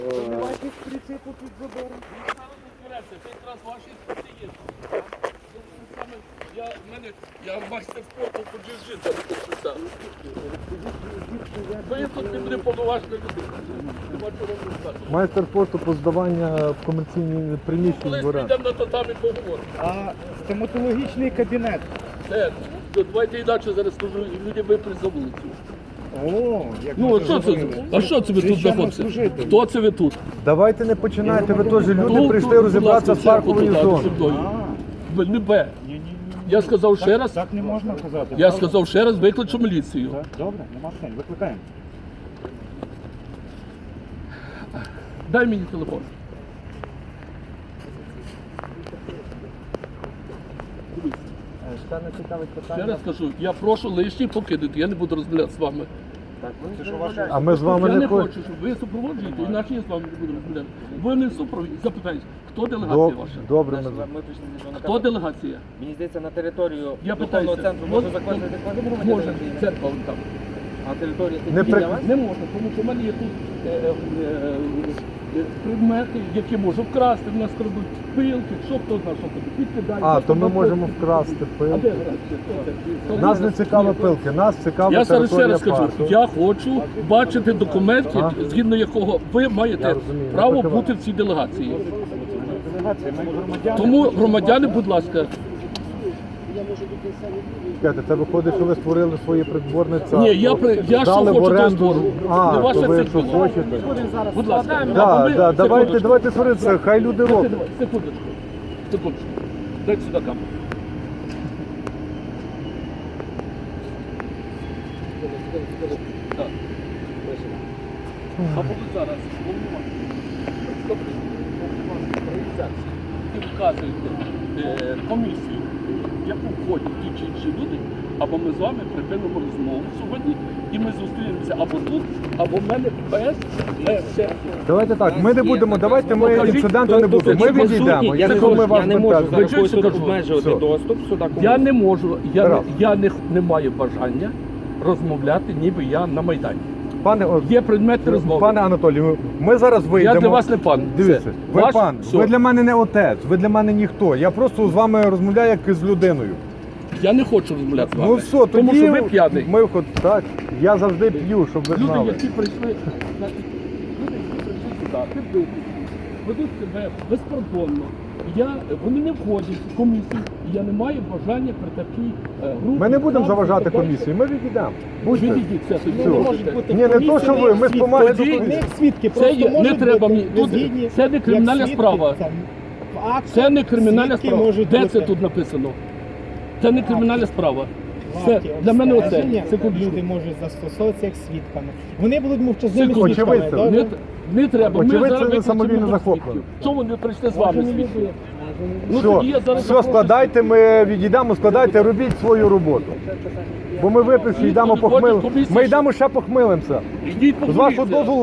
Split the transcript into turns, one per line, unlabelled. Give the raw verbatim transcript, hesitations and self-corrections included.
Винуватість прицепу під забором.
Це якраз ваші спеціалісти. Я, в мене, я майстер спорту по джиу-джитсу. Ви тут не буде повноважна людина.
Майстер спорту по здавання в комерційні приміщення
Колись
дворян.
підемо на татамі поговоримо.
А стоматологічний кабінет.
Це, давайте інакше зараз скажу, люди випруть за вулицю.
О, як
Ну,
ми
а
це
що це?
зробили.
А що це ви тут знаходите?
Священнослужитель.
Хто це ви тут?
Давайте не починайте, ви теж люди
Тут,
прийшли
будь
розібратися
ласка,
з парковою
церкву туди,
зоною.
зі мною.
А,
Ви не Б.
ні, ні, ні.
Я сказав ще раз.
Так не можна казати.
Я
правда?
сказав ще раз, викличу міліцію.
Так, добре, нема питань, викликаємо.
Дай мені телефон.
Ще не цікавить
Ще раз кажу, я прошу лишні покидати, я не буду розмовляти з вами.
Це що ваше?
А ми з вами
Я
не
не
хочемо.
хочу, щоб ви супроводжуєте, інакше я з вами не буду розмовляти. Ви не супроводжуєте. Запитання, хто делегація
Доб-
ваша?
Добре, ми
Ми
з-
прийшли до
Хто делегація?
Мені здається, на територію
Я
духовного
питаюся.
центру
От-
може заходити кожен
Може,
громадянин.
церква вон там.
А територія
Не
тільки
при-
для вас?
Не можна, тому що в мене є тут е, е, е, предмети, які можу вкрасти. В нас крадуть пилки, що хто знає, що тобі підкидають.
А,
що
то ми
там
можемо
пилки.
вкрасти
А де
пилки.
грати? Хто це?
Нас не цікаві пилки, нас цікава
Я зараз ще
територія
раз кажу,
парку.
я хочу бачити документи,
Ага.
згідно якого ви
Я
маєте
розумію,
право
я покиваю.
бути в цій делегації.
Делегація, ми громадяни.
Тому, громадяни, будь ласка,
Чекайте, це виходить, що ви створили своє придворне царство.
Ні, я при- я що
Дали в
хочу, то
оренду.
створю.
А,
Не
то
ваше
ви
це
що
діло.
хочете.
будь ласка. Або
Да,
ми-
да, давайте,
секундочку.
давайте сваритися, хай люди роблять.
Секундочку. Секундочку. Дайте сюди камеру. Так. А поки зараз організації і вказуєте е, комісію, в яку входять ті чи інші люди, або ми з вами припинимо розмову сьогодні, і ми зустрінемося або тут, або в мене без без
Давайте так, ми не будемо, давайте ми
Покажіть,
інциденту не буде. Ми відійдемо.
Я не
Якщо ми
можу,
вас
я не можу
питаємо.
зараз
чуєте,
тут
кажу?
обмежувати
Все.
доступ сюди. кому.
Я не можу, я, не,
Тарас.
я не, не маю бажання розмовляти, ніби я на Майдані.
Пане, о,
Є предмети розмови.
пане Анатолію, ми зараз вийдемо.
Я для вас не пан.
Дивіться,
Все.
ви
Ваш-
пан,
все.
ви для мене не отець, ви для мене ніхто. Я просто з вами розмовляю як з людиною.
Я не хочу розмовляти з вами.
Ну все, тоді
тому що ви п'яний.
Ми ход так. Я завжди п'ю, щоб ви
Люди,
знали.
які прийшли, значить, люди, які прийшли сюди, підбити, ведуть себе безпардонно. Я, вони не входять в комісію, і я не маю бажання при такій е, групі.
Ми не будемо
там,
заважати
і так далі.
комісії, ми відійдемо. Будьте.
Відійдіть це тоді.
Все.
не
Не
можете.
бути.
Ні, не то, що ви, ми з помаги до
Тоді-
комісії.
Свідки
Це
просто
є, не
можуть
треба
бути
мені. Тут,
незгідні,
це не
як
кримінальна
свідки,
справа.
там, в актах
Це не кримінальна
свідки
справа.
можуть
Де
бути.
це тут написано? Це не кримінальна справа. Все,
Варті
для мене оце.
обстеження
Секундочку.
люди можуть застосовуватися як свідками. Вони будуть мовчазними
Секунду.
свідками.
Очевидця.
добре?
Не, не треба. Ми
Очевидь,
зараз
це
викличемо
самовільно
двох
захоплено.
свідків. Чому не прийшли з вами
Може, не
свідки?
буде.
Ну,
Все,
тоді я зараз
все,
запрошу
складайте, ми відійдемо, складайте, робіть свою роботу. Бо ми випивши, йдемо
Ніхто не хоче
похмилимося.
комісії,
Ми
що-
йдемо ще похмилимося.
свідків. Ідіть,
З вашого
помоліться.
дозволу